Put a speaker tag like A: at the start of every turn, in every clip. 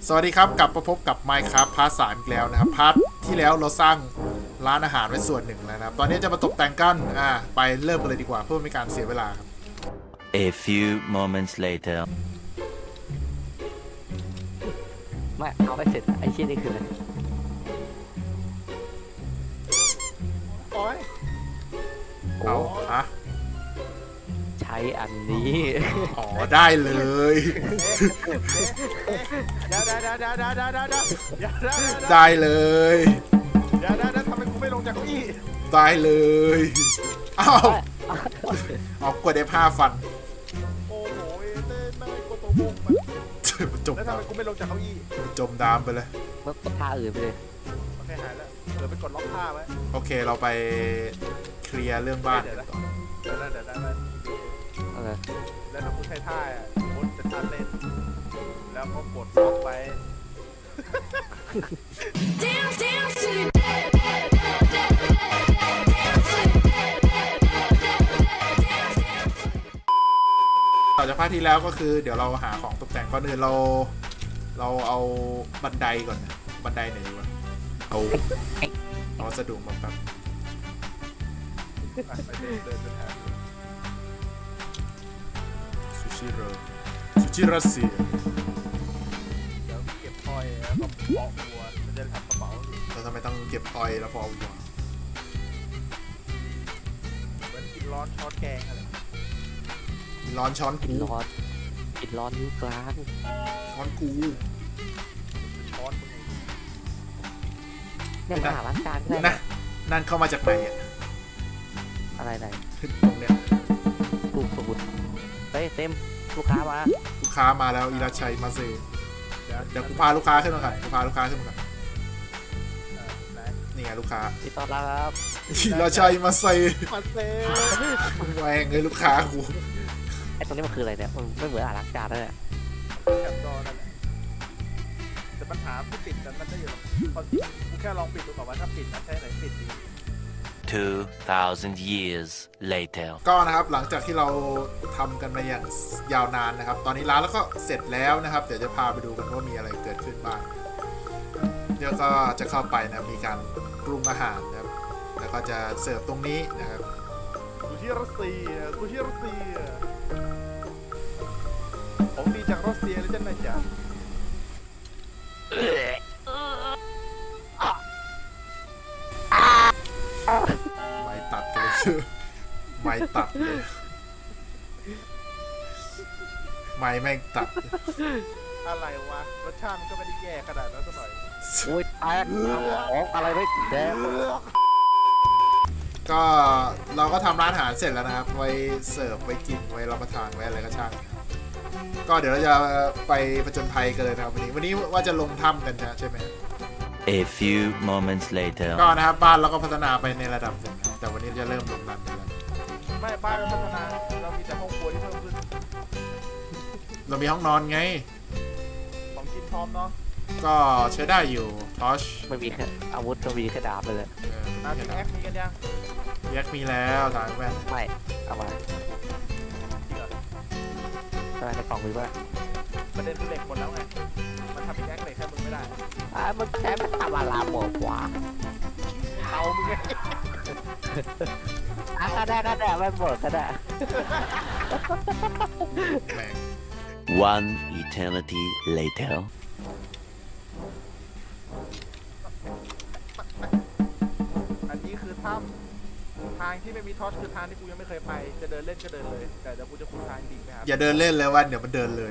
A: สวัสดีครับกลับมาพบกับ Minecraft พาร์ท 3อีกแล้วนะครับพาร์ทที่แล้วเราสร้างร้านอาหารไว้ส่วนหนึ่งแล้วนะครับตอนนี้จะมาตกแต่งกันไปเริ่มกันเลยดีกว่าเพื่อไม่ให้การเสียเวลาครับ
B: A few moments later
C: ไม่เอาไปเสร็จไอ้ชิ้นนี้คืออะไร
D: โอ้ย
C: โอ้
A: เอาฮะ
C: ใช้อันนี้
A: อ๋อได้เลย
D: เดี๋ยว
A: ได้เลย
D: ทำไมกูไม่ลงจากเก้าอี้
A: ได้เลยอ้าวเอากดได้ผ้าฟัน
D: โอ้โหเต้นไม่กดตัวบุกมัน
A: มันจม
D: แล้วทำ
A: น้
D: ไมกูไม่ลงจากเก้าอี้
A: ำจมน้ำไปเลย
C: เมื่อท่าอื่นไปเลย
D: โอเคหายแล้วเดี๋ยวไปกดล็อกผ้าไว้
A: โอเคเราไปเคลียร์เรื่องบ้านกันต่อ
D: เดี๋ยวแล้ว
C: อะไร
D: แล้วถ้ากูใช้ท่าอ่ะมดจะท่าเต้นแล้วก็กดล็อกไป
E: Dance, dance to the dead, dead, dead, dead, dead, dance to the dead, dead, dead, dead, dance, dance.
A: ต่อจากภาคที่แล้วก็คือเดี๋ยวเราหาของตกแต่งก่อนอื่นเราเอาบันไดก่อนนะบันไดไหนดีวะเอาวัสดุมาแป๊บ
D: ไปเดินหา
A: ซูชิรัสเซีย
D: เดี๋ยวเก็บพลอยแล้วก็ปอกหัวมันจะทำกระเป๋า
A: เราทำไมต้องเก็บออยล์แล้วพอเอาหัว
D: เหมือนกินร้อนช้อนแกงอะไร
A: ร้อนช้อน
C: กิ
A: กู
C: นร้อนกินร้อนนิ้วกลาง
A: ช้อนกู
D: ช้อนมึง
C: เนี่ยมาหาร้านกลางก็ได้
A: นะนั่นเข้ามาจากไหนอ่ะ
C: อะไรไหน
A: ตรงเนี้ย
C: กูสมุดเฮ้ยเต็มลูกค้ามา
A: ลูกค้ามาแล้วอิราชัยมาเซเดี๋ยวกูพาลูกค้าขึ้นมาก่อนกูพาลูกค้าขึ้นมาก่อนนี่ไงลูกค้า
C: ติดต่อรับ
A: อิราชัยมาเซ
D: มาเซ่
A: แหวงเลยลูกค้ากู
C: ไอ้ตรงนี้มันคืออะไรเนี่ยมันไม่เหมือนร้านกลางเลย
D: แคปจอนั่นแหละแต่ปัญหาที่ปิดมันได้อยู่หรอกพอกูแค่ลองปิดดูก่อนว่าถ้าปิดมันใช้ไหนปิดดี
B: 2,000 years later
A: ก็นะครับหลังจากที่เราทำกันมาอย่างยาวนานนะครับ ตอนนี้ร้านแล้วก็เสร็จแล้วนะครับ เดี๋ยวจะพาไปดูกันว่ามีอะไรเกิดขึ้นบ้างเดี๋ยวก็จะเข้าไปนะมีการปรุงอาหารนะครับแล้วก็จะเสิร์ฟตรงนี้นะครับ
D: กูที่รัสเซียของดีจากรัสเซียเลยจ้ะนายจ๋า
A: ไม้ตัดกันเลยชื่อไม้ตัดเลยไม้แม่งตัด
D: อะไรวะรสชาติมันก็ไม่ได้แย่ขนาดนั้นสักหน่อย
C: โอ้ยแตกของอะไรไม่แดง
A: ก็เราก็ทำร้านอาหารเสร็จแล้วนะครับ ไว้เสิร์ฟไว้กินไว้รับประทานไว้อะไรก็ช่างนะครับก็เดี๋ยวเราจะไปผจญภัยกันเลยนะครับวันนี้ว่าจะลงถ้ำกันใช่ไหม
B: A few moments later
A: ก็นะครับบ้านเราก็พัฒนาไปในระดับหนึ่งนะแต่วันนี้จะเริ่มลงรันกันแล้ว
D: ไม่บ้านเราพัฒนาเรามีแต่ห้องครัวที่เพิ่มขึ้น
A: เรามีห้องนอนไง
D: ของกินพร้อมเนาะ
A: ก็ใช้ได้อยู่ทอช
C: ไม่มีแค่อาวุธก็มีแค่ดาบเลย
D: นาทีแอคมีกันยัง
A: แยกมีแล้วสายแว่น
C: ไม่เอามา
D: จริงเหรอ
C: ทำไมในกล่องมีป่ะ
D: ประเด็นคือเหล็กหมดแล้วไงมันทำเป็นแอคเหล็กแค่มึงไม่ได้
C: มันใช้ไม่ทำอะไรหมดวะ
D: เตามึงไง
C: ก็ได้ไม่หมดก็ได้
A: แม่ง
B: One eternity later
D: อันนี้คือถ้ำทางที่ไม่มีทอชคือทางที่กูยังไม่เคยไปจะเดินเล่นก็เดินเลยแต่เดี๋ยวกูจะขุดทางจริงนะครับ
A: อย่าเดินเล่นเลยว่าเดี๋ยวมันเดินเลย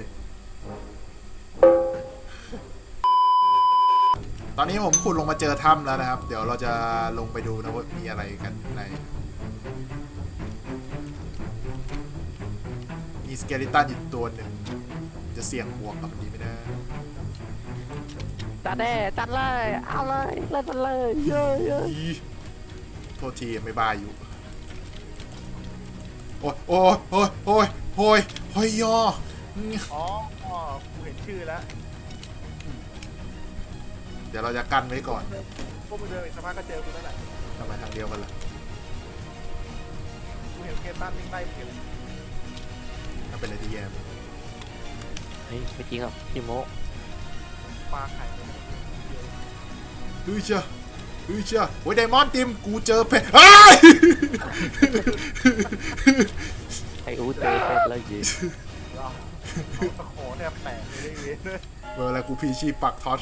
A: ตอนนี้ผมขุดลงมาเจอถ้ำแล้วนะครับ เดี๋ยวเราจะลงไปดูนะว่ามีอะไรกันในมีสเกลิตันอยู่ตัวหนึ่งจะเสี่ยงบวกกับมันดีไหมนะ
C: จัดเลยเอาเลยเล่นมันเลยเยอะ
A: อีโทษทีไม่บายอยู่ โอ้ยโอ้ยโอ้ยโอ้ยโอ้ยโอ้ยยอ
D: อ๋อกูเห็นชื่อแล้ว
A: เดี๋ยวเราจะกั้นไว้ก่อน
D: พวกมึงเดินอีกสักพักก็เจอกูแล้วแหละ
A: ทำไมทางเดียวกันล่ะ
D: กูเห็นเคตันวิ่งไล่เก็บ
A: ถ้าเป็นอะไรที่แย่
C: เฮ้ยไม่จริงหรอกพี่โม
D: ไปปลาไข่เลย
A: เฮ้ยเชียโอ้ยไดมอนด์ติมกูเจอเพชรเฮ้ย
C: ไอ้อูเจอเป็ดแล้วยิง
D: เราตะขอแทบแตกเลยเว้ย
A: เวลากูพีชีปักทอช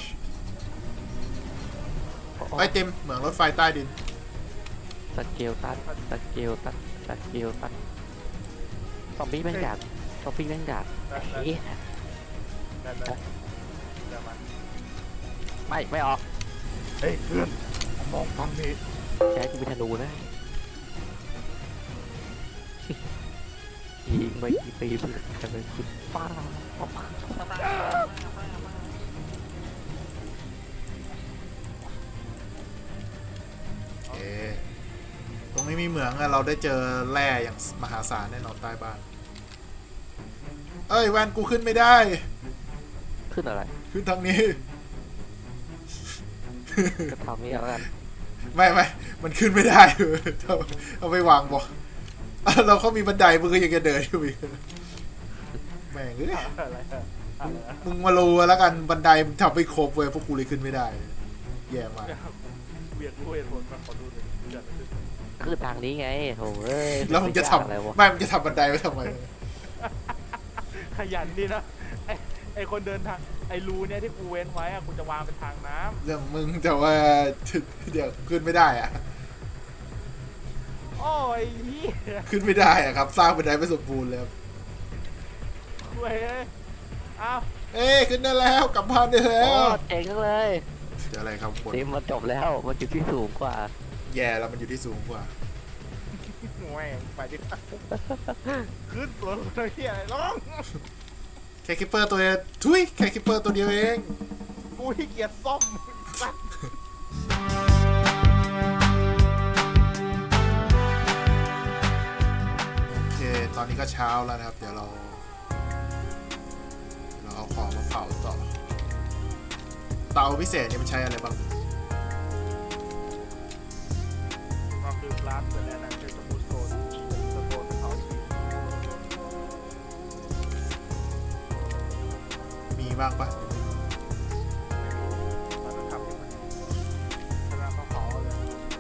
A: ไอ้ยติมเหมืองรถไฟใต้ดิน
C: สเกลตัดซอมบี้แม่งดักเฮ้ย
D: นั่นเดี๋ยวมัน
C: ไม่ออก
D: เฮ้ยเพื่อนมองฟังนี่
C: แค่กูเป็นธนูนะยิงไปกี่ปีเพื่อนจะเป็นคุณป้า
A: เอ๊ะตรงนี้มีเหมืองอะเราได้เจอแร่อย่างมหาศาลแน่นอนใต้บ้าน เอ้ยแวนกูขึ้นไม่ได้
C: ขึ้นอะไร
A: ขึ้นทางนี้
C: ก็ทำนี่แล้วกัน
A: ไม่มันขึ้นไม่ได้ เอาไปวางบอกเราเขามีบันไดมึงก็ยังจะเดินอยู่อีกแม่งเอ้ย
D: อะไรอะ
A: มึงมารู้แล้วกันบันไดมึงทำไม่ครบเว้ยพวกกูเลยขึ้นไม่ได้ แย่มาก
D: เบียดด้วยผลมาขอดูหน่อยเกิดอะไรขึ้น
C: คือทางนี้ไงโอ้ย
A: แล้วมึงจะท
C: อะไรวะ
A: ำไม่มึงจะทำบันไดไว้ทำไม
D: ขยันดีนะไอคนเดินทางไอรูเนี่ยที่กูเว้นไว้อะกูจะวางเป็นทางน้
A: เรื่องมึงแต่ว่า เดี๋ยวขึ้นไม่ได้อะ
D: ำโอ้ยพี่
A: ขึ้นไม่ได้อะครับ สร้างบันไดไม่สมบูรณ์เลยครับ
D: เว้ยอ้าว
A: เอ้ยขึ้นได้แล้วกลับบ้านได้แล้
C: โอ้
A: ว
C: เจ๋งจังเลย
A: เดี๋ยวอะไรครับคน
C: ทีมมันจบแล้วมันอยู่ที่สูงกว่า
A: แย่แล้วมันอยู่ที่สูงกว่า
D: แหวงไปดิขึ้นตัวเลยเฮียอะไรร้อง
A: แค่คิปเปอร์ตัวเดียวทุยแค่คิปเปอร์ตัวเดียวเอง
D: กูขี้เกียจซ่อมสัตว์
A: โอเค ตอนนี้ก็เช้าแล้วนะครับ เดี๋ยวเราเอาของมาเผาต่อ เตาพิเศษเนี่ยมันใช้อะไรบ้าง
D: ก็คือกลาสเป็นอะไรนะคือสมูทโซนสโตนเขาอีก
A: มีบ้างปะ
D: มันต้องทำให้มันชนะต้องเผาเลย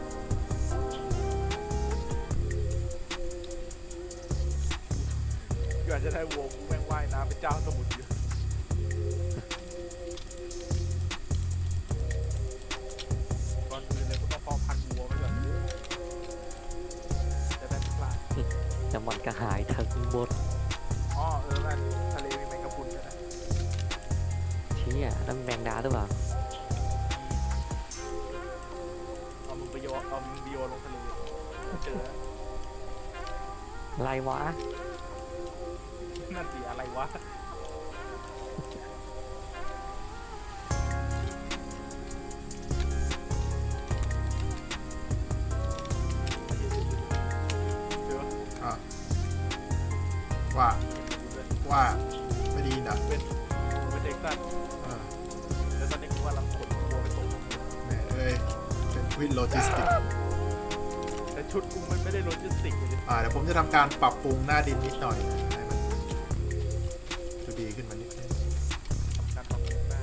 D: ก่อนจะได้วัวกูแม่งว่ายน้ำเป็นเจ้าสมุทรอยู่ก่อนอื่นเลยกูต้องเพาะพันธุ์วัวไว้ก่อนจะได้ไม่พลาด
C: จะมันก็หายทั้งหมด
D: อ๋อแม่ทะเลมีแมงกะพรุนด้วยนะ
C: เชี่ยนั่นแมงดาหรือเปล่า
D: เอามึงไปโยนลงทะเลเจอ
C: อะไรวะ
D: นั่นสิอะไรวะเดี๋ยว
A: อ่ะว่าไม่ดีนะ
D: เป็นเด็กสั้น
A: อ่า
D: แล้วตอนนี้กูกำลังขนวัวไปส่ง
A: แหมเอ้ยเป็นวินโลจิสติก
D: แต่ชุดกูมันไม่ได้โลจิสติกเลย
A: เดี๋ยวผมจะทำการปรับปรุงหน้าดินนิดหน่อยนะให้มันดูดีขึ้นมานิดนึง
D: ทำการปรับปรุงหน้า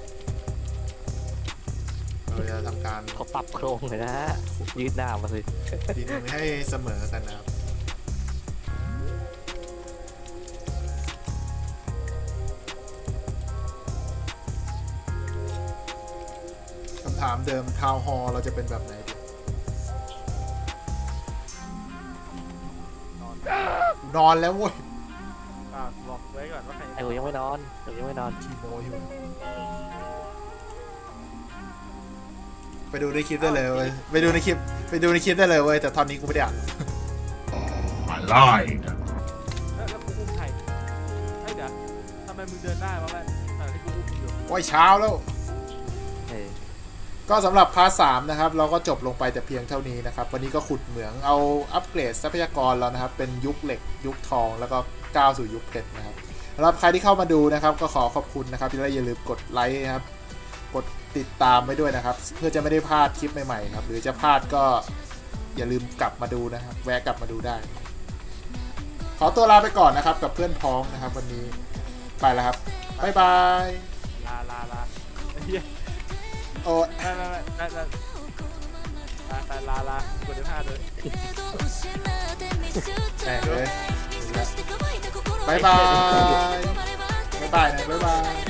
A: เราจะทำการ
C: เขาปรับโครงเลยนะยืดหน้ามาสิ
A: ดินให้เสมอกันนะครับคำถามเดิมทาวน์ฮอลเราจะเป็นแบบไหนดี
D: นอน
A: นอนแล้วเว้ย
D: บอกไว้ก่อนว่าใคร
C: ไอ้กูยังไม่นอน
A: ทีโมอยู่ไปดูในคลิปได้เลยเว้ยไปดูในคลิปได้เลยเว้ยแต่ตอนนี้กูไม่ได้อ่าน
F: I lied.
D: แล้วกูอุ้มใครไอ้เดี๋ยวทำไมมึงเดินได้วะแม่ขณะที่กูอุ้มอยู่
A: โอ้ยเช้าแล้ว
C: เออ
A: ก็สำหรับพาร์ท 3นะครับเราก็จบลงไปแต่เพียงเท่านี้นะครับวันนี้ก็ขุดเหมืองเอาอัปเกรดทรัพยากรแล้วนะครับเป็นยุคเหล็กยุคทองแล้วก็ก้าวสู่ยุคเพชรนะครับสำหรับใครที่เข้ามาดูนะครับก็ขอขอบคุณนะครับและอย่าลืมกดไลค์นะครับกดติดตามไว้ด้วยนะครับเพื่อจะไม่ได้พลาดคลิปใหม่ๆครับหรือจะพลาดก็อย่าลืมกลับมาดูนะครับแวะกลับมาดูได้ ขอตัวลาไปก่อนนะครับกับเพื่อนพ้องนะครับวันนี้ไปแล้วครับบ๊ายบาย
D: ลาไอ้เหี้ย
A: โอ้ย
D: ไปลากด15เลย
A: แม่งเลยบ๊ายบายบ๊ายบายนะบ๊ายบาย